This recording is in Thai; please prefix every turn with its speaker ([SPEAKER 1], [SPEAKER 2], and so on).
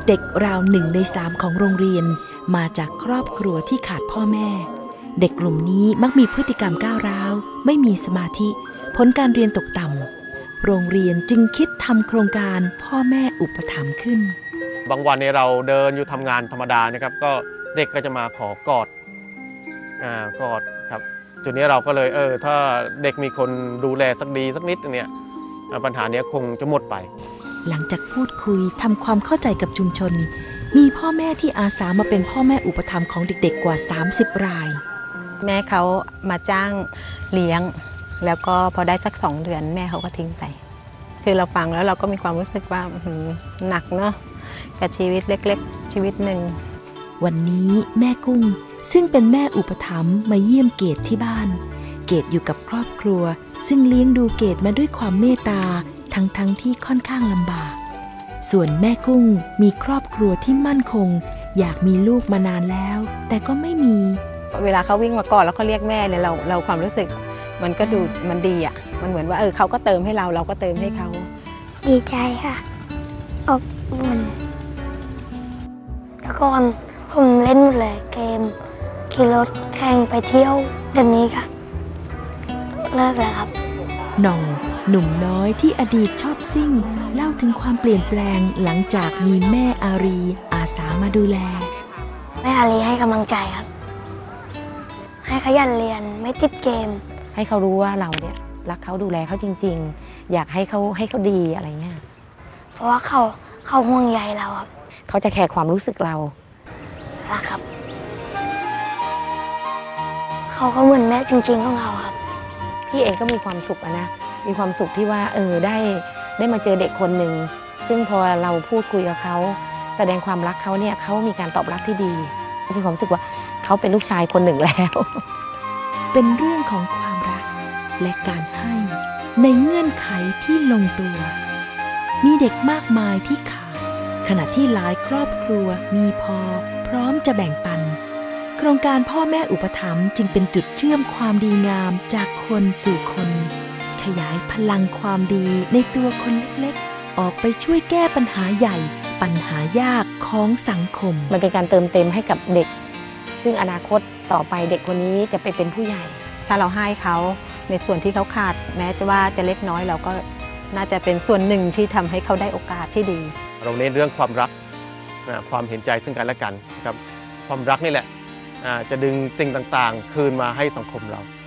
[SPEAKER 1] ด็กๆราว1 ใน 3ของโรงเรียนมาจากครอบครัวที่ขาดพ่อแม่เด็กกลุ่มนี้มักมีพฤติกรรมก้าวร้าวไม่มีสมาธิผลการเรียนตกต่ำโรงเรียนจึงคิดทำโครงการพ่อแม่อุปถัมภ์ขึ้น
[SPEAKER 2] บางวันเนี่ยเราเดินอยู่ทำงานธรรมดานะครับก็เด็กก็จะมาขอกอดครับจุดนี้เราก็เลยถ้าเด็กมีคนดูแลสักนิดเนี่ยปัญหานี้คงจะหมดไป
[SPEAKER 1] หลังจากพูดคุยทำความเข้าใจกับชุมชนมีพ่อแม่ที่อาสามาเป็นพ่อแม่อุปถัมภ์ของเด็กๆกว่า30 ราย
[SPEAKER 3] แม่เขามาจ้างเลี้ยงแล้วก็พอได้สัก2 เดือนแม่เขาก็ทิ้งไปคือเราฟังแล้วเราก็มีความรู้สึกว่าหนักเนาะกับชีวิตเล็กๆชีวิตหนึ่ง
[SPEAKER 1] วันนี้แม่กุ้งซึ่งเป็นแม่อุปถัมภ์มาเยี่ยมเกดที่บ้านเกดอยู่กับครอบครัวซึ่งเลี้ยงดูเกดมาด้วยความเมตตาทั้งที่ค่อนข้างลำบากส่วนแม่กุ้งมีครอบครัวที่มั่นคงอยากมีลูกมานานแล้วแต่ก็ไม่มี
[SPEAKER 3] เวลาเขาวิ่งมาก่อนแล้วเขาเรียกแม่เนี่ยเราความรู้สึกมันก็ดูมันดีอ่ะมันเหมือนว่าเขาก็เติมให้เราก็เติมให้เขา
[SPEAKER 4] ดีใจค่ะอบอุ่นแต่ก่อนผมเล่นหมดเลยเกมขี่รถแข่งไปเที่ยวเดี๋ยวนี้ค่ะเลิกแล้วครับ
[SPEAKER 1] หน่องหนุ่มน้อยที่อดีตชอบซิ่งเล่าถึงความเปลี่ยนแปลงหลังจากมีแม่อารีอาสามาดูแล
[SPEAKER 4] แม่อารีให้กำลังใจครับให้ขยันเรียนไม่ติดเกม
[SPEAKER 5] ให้เขารู้ว่าเราเนี่ยรักเขาดูแลเขาจริงๆอยากให้เขาดีอะไรเงี้ย
[SPEAKER 4] เพราะว่าเขาห่วงใยเราครับ
[SPEAKER 5] เขาจะแคร์ความรู้สึกเรา
[SPEAKER 4] รักครับเขาเหมือนแม่จริงๆของเราครับ
[SPEAKER 5] พี่เองก็มีความสุขนะมีความสุขที่ว่าได้มาเจอเด็กคนหนึ่งซึ่งพอเราพูดคุยกับเขาแสดงความรักเขาเนี่ยเขามีการตอบรับที่ดีมีความรู้สึกว่าเขาเป็นลูกชายคนหนึ่งแล้ว
[SPEAKER 1] เป็นเรื่องของความรักและการให้ในเงื่อนไขที่ลงตัวมีเด็กมากมายที่ขาดขณะที่หลายครอบครัวมีพอพร้อมจะแบ่งปันโครงการพ่อแม่อุปถัมภ์จึงเป็นจุดเชื่อมความดีงามจากคนสู่คนขยายพลังความดีในตัวคนเล็กๆออกไปช่วยแก้ปัญหาใหญ่ปัญหายากของสังคม
[SPEAKER 5] มันเป็นการเติมเต็มให้กับเด็กซึ่งอนาคตต่อไปเด็กคนนี้จะไปเป็นผู้ใหญ่
[SPEAKER 3] ถ้าเราให้เขาในส่วนที่เขาขาดแม้ว่าจะเล็กน้อยเราก็น่าจะเป็นส่วนหนึ่งที่ทำให้เขาได้โอกาสที่ดี
[SPEAKER 2] เราเน้นเรื่องความรักความเห็นใจซึ่งกันและกันครับความรักนี่แหละจะดึงสิ่งต่างๆคืนมาให้สังคมเรา